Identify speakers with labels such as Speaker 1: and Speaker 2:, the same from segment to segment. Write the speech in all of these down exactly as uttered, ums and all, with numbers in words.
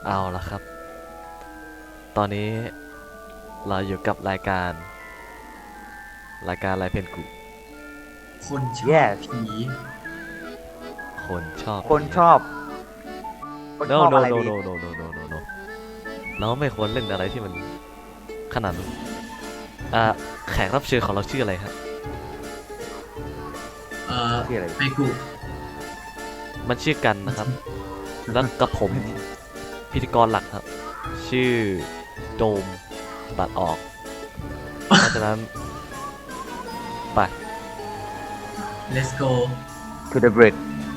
Speaker 1: เอาละครับตอนนี้เราอยู่กับรายการรายการอะไรเพนกุ
Speaker 2: คนชอบ
Speaker 3: Yes
Speaker 2: ผี
Speaker 1: คนชอบ
Speaker 3: คนชอบคน
Speaker 1: no
Speaker 3: ชอบ
Speaker 1: no
Speaker 3: อะไร
Speaker 1: no
Speaker 3: ดี
Speaker 1: no no no no no no เราไม่ควรเล่นอะไรที่มันขนาดนั้นอ่าแขกรับเชิญของเราชื่ออะไรครับ
Speaker 2: เอ่อ
Speaker 3: ชื่ออะไร
Speaker 2: ไมกุ
Speaker 1: มันชื่อกันนะครับ แล้วกับผมพิธีกรหลักครับ ชื่อโดมตัดออกเพราะฉะนั้นไป
Speaker 2: let's go
Speaker 3: to the bridge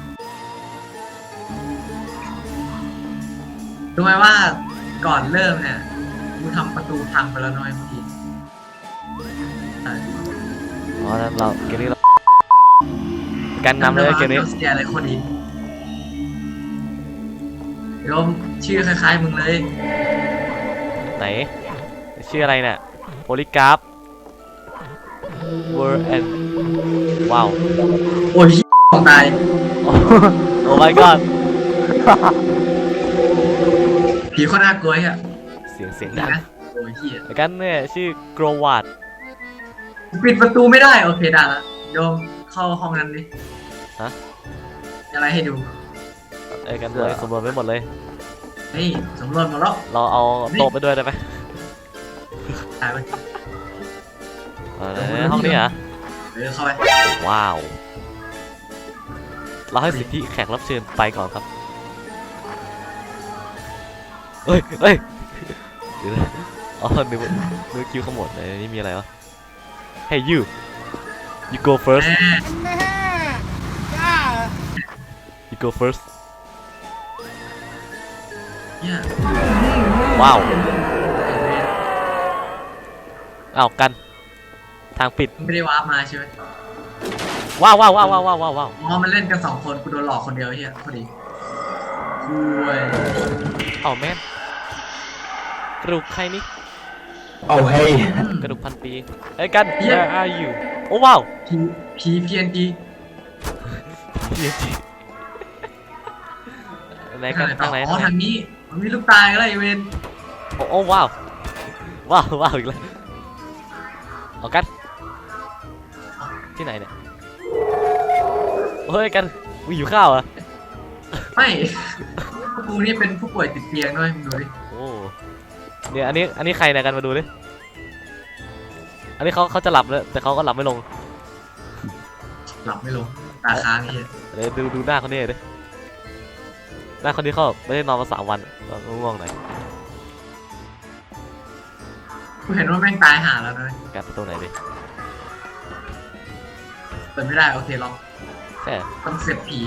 Speaker 2: รู้ไหมว่าก่อนเริ่มเนี่ยกูทำประตูพังไปแล้วน้อยเมื่อกี้อ่ะ
Speaker 1: เพราะฉะนั้นเราเกมนี้เรากันนำเลยเกมนี้
Speaker 2: เสียอะไรคนอีกโยมชื่อคล้ายๆมึงเลย
Speaker 1: ไหนชื่ออะไรเนี่ยโพลิกราฟเวอร์แอนว้าว
Speaker 2: โอ้ยของตาย
Speaker 1: โอ้ my god
Speaker 2: ผีโคตรน่ากลัวอ่ะ
Speaker 1: เสียงเสียง
Speaker 2: นี่
Speaker 1: ดัง
Speaker 2: นะโอ้ยเฮีย
Speaker 1: แล้วกันเนี่ยชื่อโกรวาด
Speaker 2: ปิดประตูไม่ได้โอเคได้ละโยมเข้าห้องนั้นดิ
Speaker 1: ฮะ
Speaker 2: มีอะไรให้ดู
Speaker 1: ไอ้กันเลยสำรวจไปหมดเลย
Speaker 2: นี่สำรวจหมดแล้ว
Speaker 1: เราเอาโต๊ะไปด้วยได้ไหม
Speaker 2: ตายไป
Speaker 1: เออห้องนี้เหรอ
Speaker 2: เออเข้าไป
Speaker 1: ว้าวเราให้สิทธิแขกรับเชิญไปก่อนครับเฮ้ยเฮ้ยเดี๋ยวนะอ๋อนึกว่านึกคิวขมวดเลยนี่มีอะไรวะ Hey you you go first
Speaker 2: แม่
Speaker 1: you go first
Speaker 2: เนี่ย
Speaker 1: ว้าวอ้าวกันทางปิด
Speaker 2: ไม่ได้ว้าร์ปมาใช่ไหม
Speaker 1: ว้าวว้าวว้าวว้าวว้าวว้าว
Speaker 2: อ๋อมันเล่นกันสองคนกูโดนหลอกคนเดียวเฮียพอดีคุย
Speaker 1: อ้าวแม่นกระดูกใครนี่
Speaker 3: เอาเฮ้ย
Speaker 1: กระดูกพันปีไอ้ยกัน where are you โอ้ว้าว
Speaker 2: ผีผีเพียนดี
Speaker 1: เยจีไหนกันทางไหน
Speaker 2: อ๋อ
Speaker 1: ทางไหน
Speaker 2: ทางนี้มันมีลูกตายอะไรเวน
Speaker 1: โอ้โอ้ว้าวว้าวว้าวอีกแล้วเอากันที่ไหนเนี่ยเฮ้ยกันมึงอยู่ข้าวเหรอ
Speaker 2: ไม่พวกกูนี่เป็นผู้ป่วยติดเตียงด้วยมึงดูดิ
Speaker 1: โอ้เนี่ยอันนี้อันนี้ใครเนี่ยกันมาดูดิอันนี้เขาเขาจะหลับแล้วแต่เขาก็หลับไม่ลง
Speaker 2: หลับไม่ลงตาค้างเฮีย
Speaker 1: เดี๋ยวดูดูหน้าคนนี้ดิหน้าคนนี้เขาไม่ได้นอนมาสามวันตอนง่วงๆหน่อย
Speaker 2: กูเห็นว่าแม่งตายห่าแล้วนะ
Speaker 1: การประตูไหนดิ
Speaker 2: เปิดไม่ได้โอเคล็อก
Speaker 1: แค่
Speaker 2: ต้องเสียบผี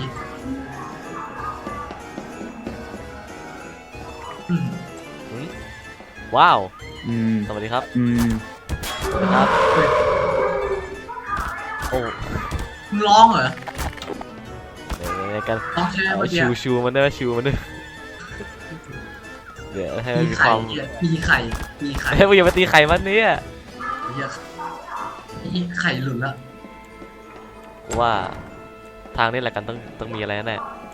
Speaker 2: อืม
Speaker 1: อืมว้าว
Speaker 3: อืม
Speaker 1: สวัสดีครับ
Speaker 3: อืม
Speaker 1: สวัสดีครับโอ้
Speaker 2: มึงร้องเหรอ
Speaker 1: เดี๋ยวกัน
Speaker 2: ร้องใช่ไหม
Speaker 1: เอา
Speaker 2: เมื่อกี้
Speaker 1: ชูชูมันด้วยชูมันด้วยเดี๋ยวให้มัน
Speaker 2: มี
Speaker 1: มีค
Speaker 2: ไข่
Speaker 1: วาม
Speaker 2: เหี้ยมีไข่มีไข่
Speaker 1: เฮ้ยมึงอย่าไปตีไข่มันเนี่ย
Speaker 2: เหี้ยมีไข่หลุดละ
Speaker 1: ว่าทางนี้แหละกันต้องต้องมีอะไรแน่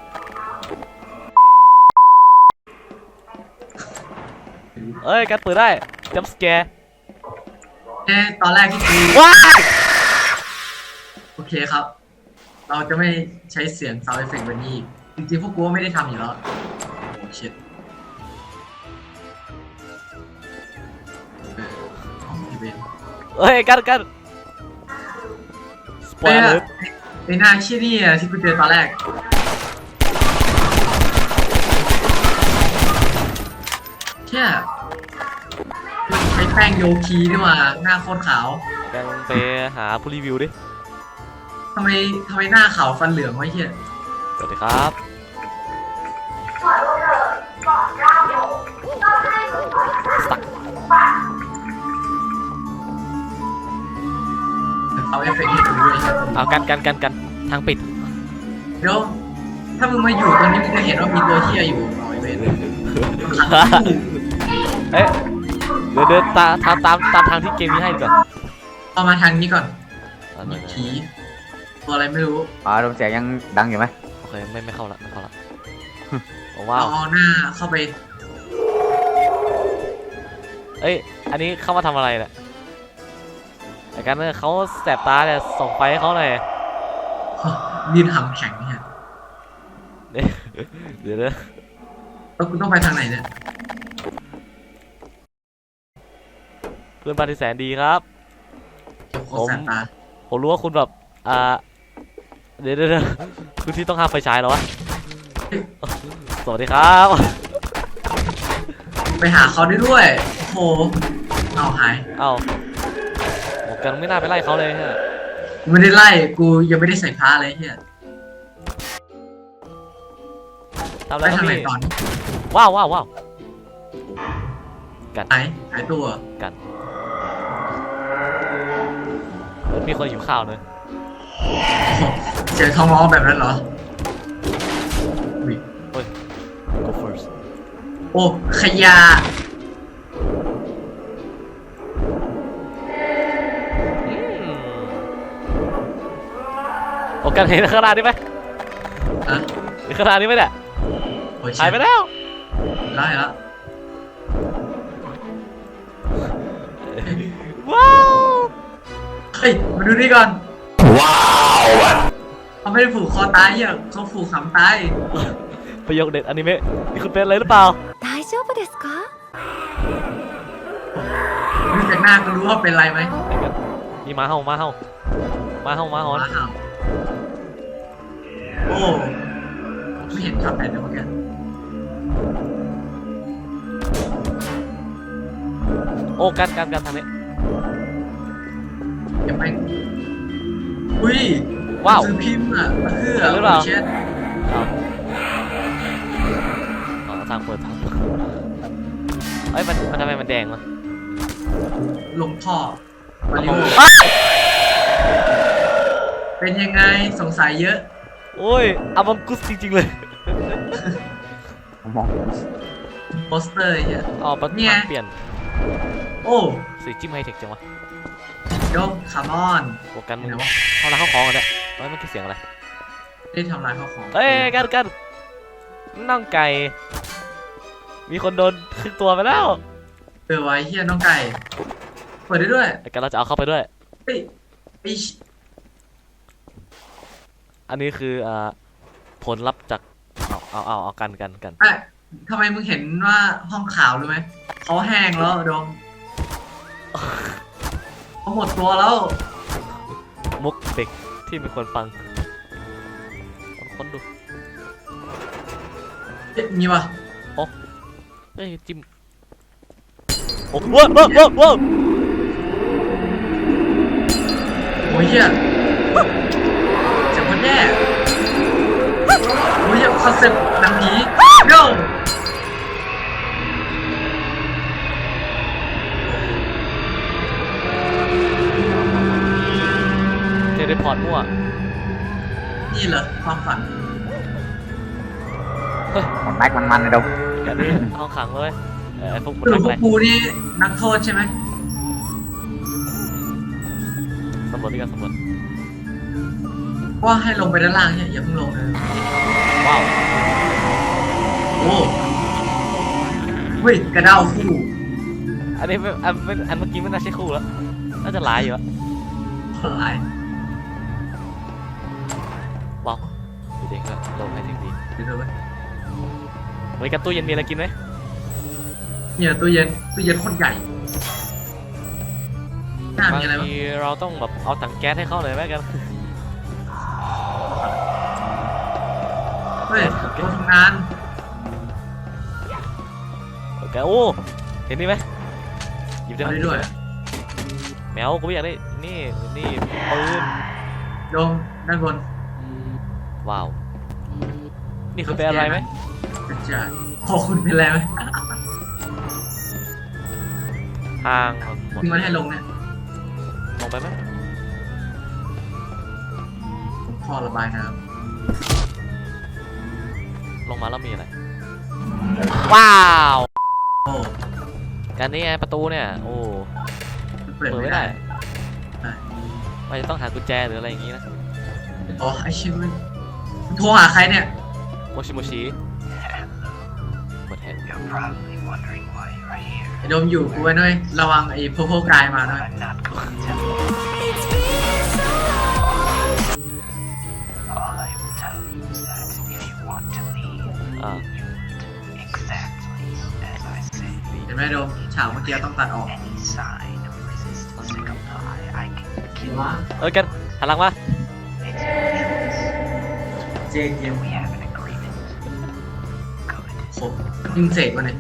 Speaker 1: เอ้ยกันเปิดได้จัมป์สแกร์
Speaker 2: เอ๊ะตอนแรกที่กู
Speaker 1: ว้า
Speaker 2: โอเคครับ เราจะไม่ใช้เสียง sound effect แบบนี้อีกจริงๆพวกกูก็ไม่ได้ทำอยู่แล้วโอ้ชิตอ๋อพี่เบน
Speaker 1: เอ้ยกันกันสปอย
Speaker 2: เอ้ย
Speaker 1: เลอร์
Speaker 2: ไอ้หน้าชี้นี่อะที่กูเจอตอนแรกเชี่ยมันใช้แป้งโยคีนี่หว่าหน้าโคตรขาว
Speaker 1: กันไปหาผู้รีวิวดิ
Speaker 2: ทำไมทำไมหน้าขาวฟันเหลืองวะเฮีย
Speaker 1: สวัสดีครับ
Speaker 2: เอาเอฟเฟกต์ให้ดูด้วยครับ
Speaker 1: เอากันกันกันกันทางปิด
Speaker 2: เดี๋ยวถ้ามึงมาอยู่ตรงนี้มึงจะเห็นว่ามีตัวเฮียอยู่หน่อยเว้ย
Speaker 1: เอ๊ะเดี๋ยวเดินตามตามตามตามทางที่เกมนี้ให้ดีกว่า
Speaker 2: เอามาทางนี้ก่อน
Speaker 1: อ่ะหน่อย
Speaker 2: ผีตัวอะไรไม่รู้
Speaker 3: อ๋อลมเสียงยังดังอยู่ไหม
Speaker 1: โอเคไม่ไม่เข้าละไม่เข้าละโอ้
Speaker 2: เอา
Speaker 1: ว้าว
Speaker 2: เอาหน้าเข้าไป
Speaker 1: เอ้ยอันนี้เข้ามาทำอะไรเนี่ยไอ้กันเนี่ยเขาแสบตาเนี่ยส่องไฟให้เขาหน่อย
Speaker 2: ดินหำแข็งเนี่ย
Speaker 1: เดี๋ยวเดี๋ยว
Speaker 2: แล้วกูต้องไปทางไหนเนี่ย
Speaker 1: เพื่อนบ้านที่แสนดีครับ
Speaker 2: โคตรแสบตา
Speaker 1: ผมรู้ว่าคุณแบบอ่าเดี๋ยวเดี๋ยวเดี๋ยวคุณที่ต้องห้ามไฟฉายเหรอวะสวัสดีครับ
Speaker 2: ไปหาเขาได้ด้วยโอ้โหเอาหาย
Speaker 1: เอ้าโอกันไม่น่าไปไล่เขาเลยฮะ
Speaker 2: กูไม่ได้ไล่กูยังไม่ได้ใส่ผ้าเลยเฮีย
Speaker 1: ทำอะ
Speaker 2: ไป
Speaker 1: ไรครับ
Speaker 2: ทางไหน
Speaker 1: พี่
Speaker 2: ก่อน
Speaker 1: ว้าวว้าวว้าวกัน
Speaker 2: หายหายตัว
Speaker 1: กันมันมีคนหิวข้าวเลย
Speaker 2: โอ้โหเสียงท้องร้องแบบนั้นเหรออุ๊ย
Speaker 1: go first
Speaker 2: โอ้ขยะ
Speaker 1: อืมโอกันเห็นข้างหน้านี่ไหม
Speaker 2: อะ
Speaker 1: เห็นข้างหน้านี่ไหมเนี่ย
Speaker 2: โอ้ย
Speaker 1: หายไปแล้ว
Speaker 2: ได้แล้ว
Speaker 1: ว้าว
Speaker 2: เฮ้ยมาดูนี่ก่อน
Speaker 3: ว้าว
Speaker 2: เขาไม่ได้ผูกคอตายเฮียเขาผูกขำตาย
Speaker 1: ประโยคเด็ดอนิเมะนี่คุณเป็นอะไรหรือเปล่า
Speaker 4: 大丈夫ですか？
Speaker 2: ดูจากหน้าก็รู้ว่าเป็นไรไหม
Speaker 1: ไอ้กันมีหมาเห่าหมาเห่าหมาเห่าหมาหอน
Speaker 2: ว้าวโอ้ไม่เห็นช็อตไหนเลยเมื่อกี้
Speaker 1: โอ้กันกันกันทางนี้
Speaker 2: ยังไม่อุ้ย
Speaker 1: ว้าว
Speaker 2: ซื้อพิมพ์อ่ะเพื่อ
Speaker 1: หรือเปล่า
Speaker 2: เช็ด
Speaker 1: เอาเอาทางเปิดทางเปิดเอ้ยมันมันทำไมมันแดงวะ
Speaker 2: ลงท่อมาริโอ
Speaker 1: อ้า
Speaker 2: เป็นยังไงสงสัยเยอะ
Speaker 1: โอ้ยอามังกุสจริงๆเลย
Speaker 3: มอง
Speaker 2: โปสเตอร์ไอ้เฮีย
Speaker 1: อ๋อปั
Speaker 2: เนี่ย
Speaker 1: เปลี่ยน
Speaker 2: โอ้
Speaker 1: สีจิ้มไฮเทคจังวะ
Speaker 2: ยกคาร์บอน
Speaker 1: โอ้กันมึง
Speaker 2: เดี๋ยววะ
Speaker 1: เอาละเข้าของกันเนี่ยเอ้ยมันคือเสียงอะไร
Speaker 2: ได้ทำลายข้าวของ
Speaker 1: เอ้ยกันกันน่องไก่ มีคนโดนครึ่งตัวไปแล้ว
Speaker 2: เออไว้เฮียน้องไก่เปิดได้ด้วย
Speaker 1: ไอ้กันเราจะเอาเข้าไปด้วย
Speaker 2: เฮ้ยไอ้ชิ
Speaker 1: อันนี้คืออ่าผลลัพธ์จากเอาเอาเอาเอากันกันกัน
Speaker 2: เอ้ยทำไมมึงเห็นว่าห้องขาวรู้ไหมเขาแห้งแล้วดงเขาหมดตัวแล้ว
Speaker 1: มุกเด็กที่มีคนฟังลองค้นดู
Speaker 2: เอ๊ะมีปะ
Speaker 1: เอ้ยจิ้มโอ้ว้าวว้าวว้าวว้าว
Speaker 2: โอ้ยเฮียเสียงคนแย่โอ้ยเฮียคอนเซ็ปต์หนังผีโย่
Speaker 1: เทเลพอร์ตมั่ว
Speaker 2: นี่เหรอความฝัน
Speaker 3: มันแม็กมันมันเลยดม
Speaker 1: กันนี่ห้องขังเลยเออไอ้พวกมัน
Speaker 2: หรือ
Speaker 1: ทำ
Speaker 2: พว
Speaker 1: อะไร
Speaker 2: กกูนี่นักโทษใช่ไหม
Speaker 1: สำรวจด้วยกันสำรวจ
Speaker 2: ว่าให้ลงไปด้านล่างเนี่ยอย่าเพิ่งลงเลย
Speaker 1: ว้าว
Speaker 2: โอ้เฮ้ยกระเด้าคู่
Speaker 1: อันนี้ไม่อันไม่อันเมื่อกี้ไม่น่าใช่คู่แล้วน่าจะหลายอยู่อะ
Speaker 2: หลาย
Speaker 1: ว้าวดูเด็กแล้วลงให้ถึงดี
Speaker 2: เดี๋ยวดูไป
Speaker 1: เฮ้ยกันตู้เย็นมีอะไรกินไหม
Speaker 2: เนี่ยตู้เย็นตู้เย็นโคตรใหญ่หน้า
Speaker 1: บาง
Speaker 2: มีอะไรบ้าง
Speaker 1: ทีเราต้องแบบเอาถังแก๊สให้เขาเลยไหมกัน
Speaker 2: เฮ้ยโต๊ะทำงาน
Speaker 1: โอเคโอ้เห็นนี่ไหมหยิบได้
Speaker 2: เอา
Speaker 1: ไหม
Speaker 2: ได้ด้วย
Speaker 1: แมวกูไม่อยากได้นี่นี่ปืน
Speaker 2: ลงด้านบน
Speaker 1: ว้าวนี่คือเป็นอะไรไหม
Speaker 2: กระจายพอคุณเป็นอะไรไหม
Speaker 1: ทางหมด
Speaker 2: ที่มันให้ลงเนี่ย
Speaker 1: ลงไปไหม
Speaker 2: พอระบายน้
Speaker 1: ลงมาแล้วมีอะไรว้าว
Speaker 2: ำโอ้
Speaker 1: กันนี่ไงประตูเนี่ยโอ้
Speaker 2: มันเปิด
Speaker 1: เปิด
Speaker 2: ไม่
Speaker 1: ไม่
Speaker 2: ได้
Speaker 1: ได้มันจะต้องหากุญแจหรืออะไรอย่างงี้นะ
Speaker 2: อ๋อไอชิมันโทรหาใครเนี่ย
Speaker 1: โมชิโมชิหมดแฮะ
Speaker 2: ไอ้โดมอยู่กูไว้หน่อยระวังไอ้โพโพกายมาหน่อย
Speaker 1: อ่า
Speaker 2: เห็นไหมโดมฉากเมื่อกี้ต้องตัดออกว้า
Speaker 1: เอ้ยกันหันหลังมา
Speaker 2: เจเกมครบยิงเสกมาเนี่ย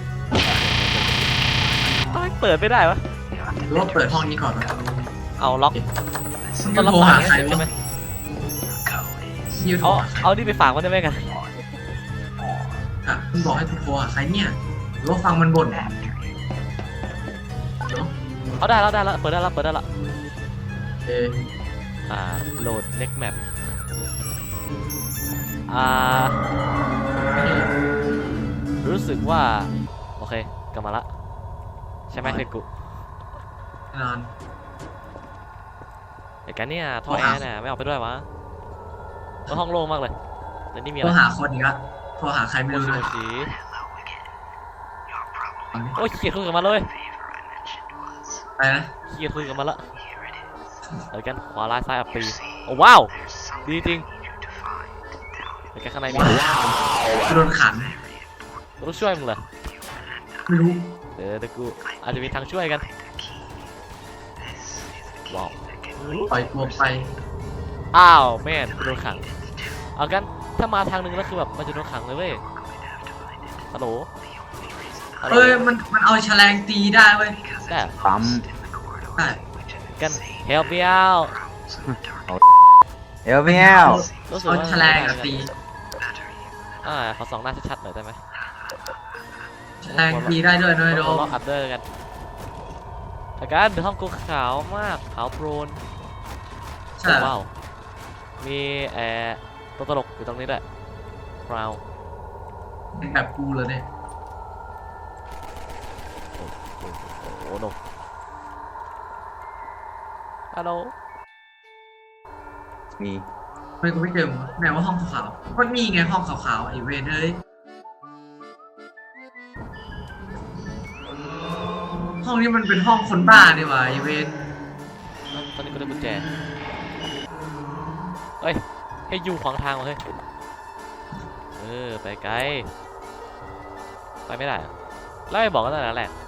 Speaker 1: เอ้ยเปิดไม่ได้วะ
Speaker 2: หรือว่าเปิดห้องนี้ก่อนวะ
Speaker 1: เอาล็อก
Speaker 2: มึง
Speaker 1: ต้
Speaker 2: จะ
Speaker 1: องรับ
Speaker 2: โทร
Speaker 1: สา
Speaker 2: หาย ใคร
Speaker 1: ใช่
Speaker 2: วะ
Speaker 1: ไหม
Speaker 2: ยูโทร
Speaker 1: เอา
Speaker 2: หาใคร
Speaker 1: เอานี่ไปฝากมันได้ไหมกัน
Speaker 2: อ่ะมึงบอกให้กูโทรหาใครเนี่ยหรือว่าฟังมันบ่น
Speaker 1: เอาได้แล้วได้แล้วเปิดได้แล้วเปิดได้แล้ว
Speaker 2: เออ
Speaker 1: อ่าโหลด next map อ่ารู้สึกว่าโอเคกลับมาละใช่ไหมเพื่อนกู
Speaker 2: แน่นอน
Speaker 1: ไอ้กันเนี่ยท่อแอร์เนี่ยไม่เอาไปด้วยวะก็ห้องโล่งมากเลยแล้วนี่มีอะ
Speaker 2: โทร
Speaker 1: ไร
Speaker 2: หาคนอีกละโทรหาใครไม่
Speaker 1: โม
Speaker 2: รู้
Speaker 1: ชิ
Speaker 2: เล
Speaker 1: โม
Speaker 2: ย
Speaker 1: ชิ
Speaker 2: เอาดิ
Speaker 1: โอ้ยเขียดคุยกับมันเลย
Speaker 2: ไปนะ
Speaker 1: เขียดคุยกับมันละเดี๋ยวกันขวาลายซ้ายอัปปีโอ้ว้าวดีจริงเดี๋ยวกันข้างในมี
Speaker 2: กูโดนขัน
Speaker 1: ต้องช่วยมึงเหรอ
Speaker 2: ไม่รู้
Speaker 1: เดี๋ยวเดี๋ยวกูอาจจะมีทางช่วยกันว้าว
Speaker 2: ปล่อยตัวไป
Speaker 1: อ้าวแม่นกูโดนขังเอากันถ้ามาทางหนึงแล้วคือแบบมันจะโดนขังเลยเว้ยฮัลโหลฮัลโหล
Speaker 2: เอ้ยมันมันเอาแฉลงตีได้เว้ย
Speaker 1: ได้เหรอ
Speaker 3: ปั๊ม
Speaker 2: ใช่
Speaker 1: กัน help me out
Speaker 3: เอลเมล
Speaker 1: รู้สึก
Speaker 2: เอา
Speaker 1: ว่า
Speaker 2: แฉลงอะตี
Speaker 1: อ่าขอสองหน้าชัดๆหน่อยได้ไหม
Speaker 2: แฉลงตีได้ด้วยด้วยโด
Speaker 1: เรา
Speaker 2: ม
Speaker 1: ล็อกอัพเดอร์กันแต่การเดี๋ยวห้องกูขาวมากขาวโปรน
Speaker 2: ใช่
Speaker 1: ว้าวมีแอร์ตัวตลกอยู่ตรงนี้ด้วยคราว
Speaker 2: เป็นแบบกูเลยเนี่ย
Speaker 1: โอ้โหโนฮัลโหล
Speaker 3: มี
Speaker 2: ไม่กูไม่เจอมึงไหนว่าห้องขาวๆก็นี่ไงห้องขาวๆไอเวนเอ้ยห้องนี้มันเป็นห้องคนบ้านี่หว่าไอเวน
Speaker 1: ตอนนี้กูได้กุญแจเฮ้ยให้ยูขวางทางวะเฮ้ยเออไปไกลไปไม่ได้อะแล้วไม่บอกกันตั้งแต่แรก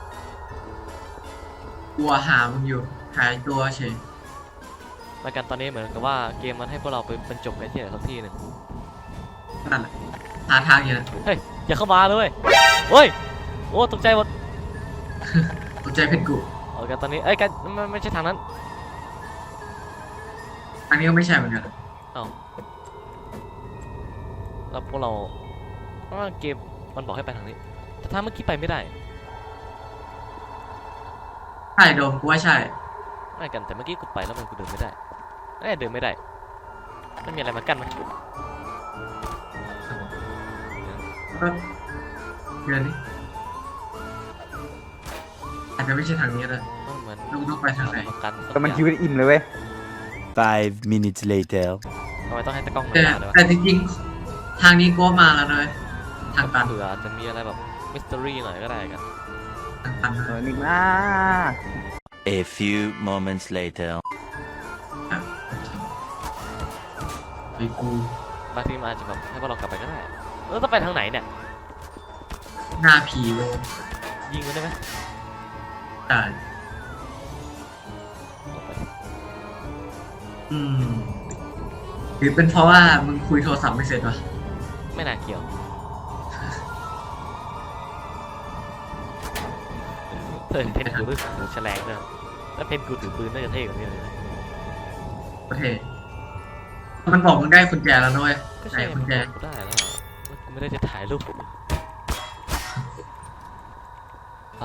Speaker 2: กลัวหามึงอยู่หายตัวเฉย
Speaker 1: แล้วกันตอนนี้เหมือนกับว่าเกมมันให้พวกเราไปบรรจบกันที่ไหนสักที่หนึ่ง
Speaker 2: นั่นแหละหาทางอยู่นะ
Speaker 1: เฮ้ยอย่าเข้ามาเลยเฮ้ยโอ้ตกใจหมด
Speaker 2: ตกใจเพชรกู
Speaker 1: โอเคตอนนี้เอ้ยกันมันไม่ใช่ทางนั้น
Speaker 2: อันนี้ก็ไม่ใช่เหมือนกัน
Speaker 1: เอ้าแล้วพวกเราเพราะว่าเกมมันบอกให้ไปทางนี้แต่ถ้าเมื่อกี้ไปไม่ได้
Speaker 2: ใช่โดมกูว่าใช่
Speaker 1: ไม่กันแต่เมื่อกี้กูไปแล้วมันกูเดินไม่ได้เอ้ยเดินไม่ได้ไม่มีอะไรมากั้นไหม
Speaker 2: ก็เดือนนี้อาจจะไม่ใช่ทางนี้เลย
Speaker 1: มันเหมือน
Speaker 2: เราต้องไปทางไหน
Speaker 1: มากัน
Speaker 3: แต่มันชีวิตอิ่มเลยเว้ย
Speaker 4: Five minutes later.
Speaker 1: ทำไมต้องให้ตะกล้องมา
Speaker 2: แต่
Speaker 1: ด้วยวะ
Speaker 2: แต่จริงๆทางนี้ก็มาแล้วนะเลยทางตัน
Speaker 1: เผื่อจะมีอะไรแบบมิสตอรี่หน่อยก็ได้กัน
Speaker 2: ทางตัน
Speaker 3: เออนี่มา
Speaker 4: A few moments later.
Speaker 2: ไอ้กู
Speaker 1: บางทีมันอาจจะแบบให้พวกเรากลับไปก็ได้แล้วจะไปทางไหนเนี่ย
Speaker 2: หน้าผีโล
Speaker 1: ยิงมันได้ไหม
Speaker 2: แต่
Speaker 1: ออกไป
Speaker 2: อืมหรือเป็นเพราะว่ามึงคุยโทรศัพท์ไม่เสร็จวะ
Speaker 1: ไม่น่าเกี่ยวเธอเพนกูด้วยถือแฉลงด้วยแล้วเพนกูถือปืนน่าจะเท่กว่านี้เลยนะ
Speaker 2: โอเค มันบอกมึงได้กุญแจแล้วด้วย
Speaker 1: ก็
Speaker 2: ไหน
Speaker 1: ใช่
Speaker 2: กุญแจ
Speaker 1: กูได้แล้วอะแล้วกูไม่ได้จะถ่ายรูปอ่ะ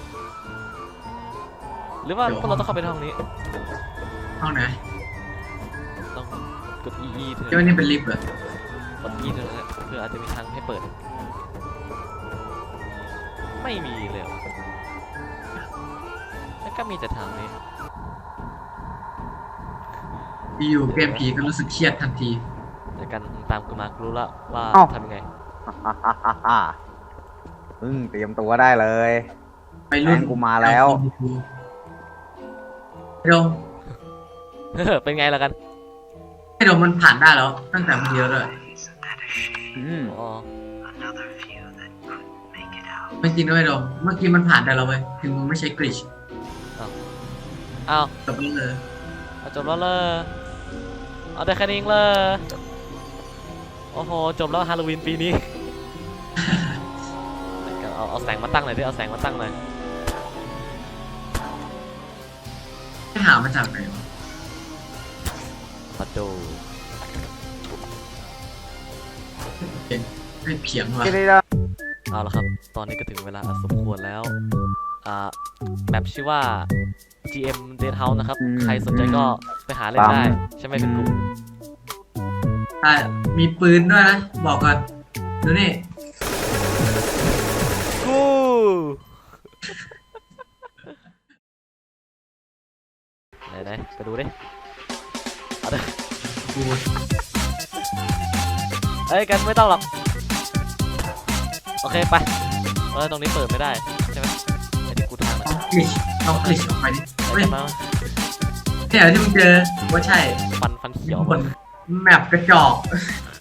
Speaker 1: หรือว่าพวกเราต้องเข้าไปในห้องนี้
Speaker 2: ห้องไหน
Speaker 1: ต้องกด E E เถ
Speaker 2: เจ้า
Speaker 1: อะ
Speaker 2: นี่เป็นลิฟต์เหรอก
Speaker 1: ด E เถอะนะเพื่ออาจจะมีทางให้เปิด ไม่มีเลยเหรอแล้วก็มีแต่ทางนี้
Speaker 2: อยู่ๆเกมผีก็รู้สึกเครียดทันที
Speaker 1: แต่กันตามกูมากูรู้ละว่าทำยังไง
Speaker 3: มึงเตรียมตัวได้เลย
Speaker 2: ไปรุ่น
Speaker 3: แฟนกูมาแล้ว
Speaker 2: ไอ้โดม
Speaker 1: เป็นไงล่ะกัน
Speaker 2: ไอ้โดมมันผ่านได้แล้วตั้งแต่มันเดียวเลย
Speaker 3: อืม
Speaker 1: อ๋อ
Speaker 2: ไม่จริงด้วยไอ้โดมเมื่อกี้มันผ่านได้แล้วเว้ยถึงมึงไม่ใช้กริช
Speaker 1: อ้าว
Speaker 2: จบแล้วเลย
Speaker 1: เอาจบแล้วเลยเอาได้แค่นี้เองเลย โอ้โห จบแล้วฮาโลวีนปีนี้ เอาเอาแสงมาตั้งหน่อยดิ เอาแสงมาตั้งหน่อย
Speaker 2: ไม่หามาจากไหนวะ
Speaker 1: มาดู
Speaker 2: เป็นไม่เพียงว่ะ
Speaker 3: ที่นี่ละ
Speaker 1: เอาละครับ ตอนนี้ก็ถึงเวลาอันสมควรแล้ว อ่า แมปชื่อว่า จี เอ็ม Dead House นะครับ ใครสนใจก็ไปหาเล่นได้ ใช่ไหมเป็นกลุ่ม
Speaker 2: อ่ะมีปืนด้วยนะ บอกก่อนดูนี่
Speaker 1: กู ไหนไหนไปดูดิ เอาดิ
Speaker 2: กู
Speaker 1: เอ้ย กันไม่ต้องหรอก โอเค ไป เออ ตรงนี้เปิดไม่ได้ ใช่ไหมไอ้ที่กูทางนะ
Speaker 2: เอากริชเอากริชออกไปดิ
Speaker 1: ไอ้
Speaker 2: เฮ้ย
Speaker 1: กันมา
Speaker 2: เนี่ยที่มึงเจอว่าใช่
Speaker 1: ฟันฟันเขียว
Speaker 2: คนแมปกระจอก